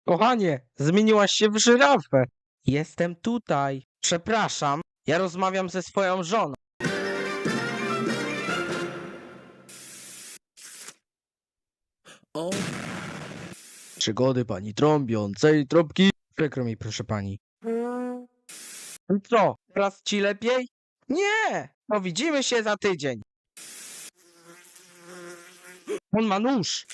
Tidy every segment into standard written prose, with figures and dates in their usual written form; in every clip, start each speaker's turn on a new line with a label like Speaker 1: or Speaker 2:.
Speaker 1: Kochanie, zmieniłaś się w żyrafę. Jestem tutaj. Przepraszam, ja rozmawiam ze swoją żoną.
Speaker 2: O,
Speaker 1: Przygody pani trąbiącej trąbki. Przykro mi, proszę pani. Co, teraz ci lepiej? Nie, no widzimy się za tydzień. On ma nóż.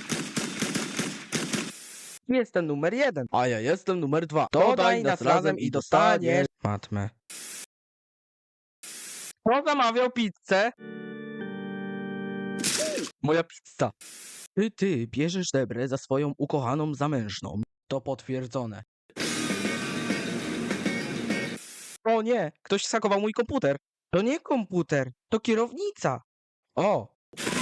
Speaker 1: Jestem numer 1.
Speaker 2: a ja jestem numer 2.
Speaker 1: Dodaj nas razem i dostaniesz. Matmę. Kto zamawiał pizzę?
Speaker 2: Moja pizza. Ty bierzesz Debrę za swoją ukochaną zamężną. To potwierdzone.
Speaker 1: O nie, ktoś schakował mój komputer. To nie komputer, to kierownica. O,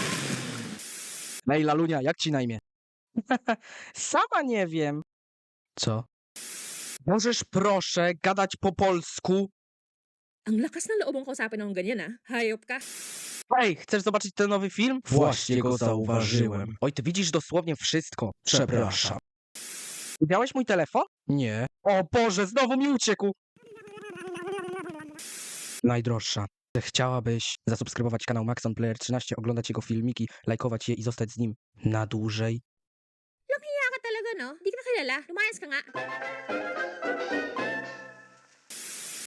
Speaker 2: Ej, Lalunia, jak ci na imię?
Speaker 1: sama nie wiem.
Speaker 2: Co?
Speaker 1: Możesz proszę gadać po polsku?
Speaker 3: Ang lakas ng loob mong kausapin ng ganyan, ah. Hayop ka.
Speaker 1: Ej, chcesz zobaczyć ten nowy film?
Speaker 2: Właśnie go zauważyłem.
Speaker 1: Oj, ty widzisz dosłownie wszystko.
Speaker 2: Przepraszam.
Speaker 1: Widziałeś mój telefon?
Speaker 2: Nie.
Speaker 1: O Boże, znowu mi uciekł. Najdroższa. Chciałabyś zasubskrybować kanał Maxon Player 13, oglądać jego filmiki, lajkować je i zostać z nim na dłużej?
Speaker 3: Kaya ka talaga, no? Di ka na kilala. Lumayas ka nga.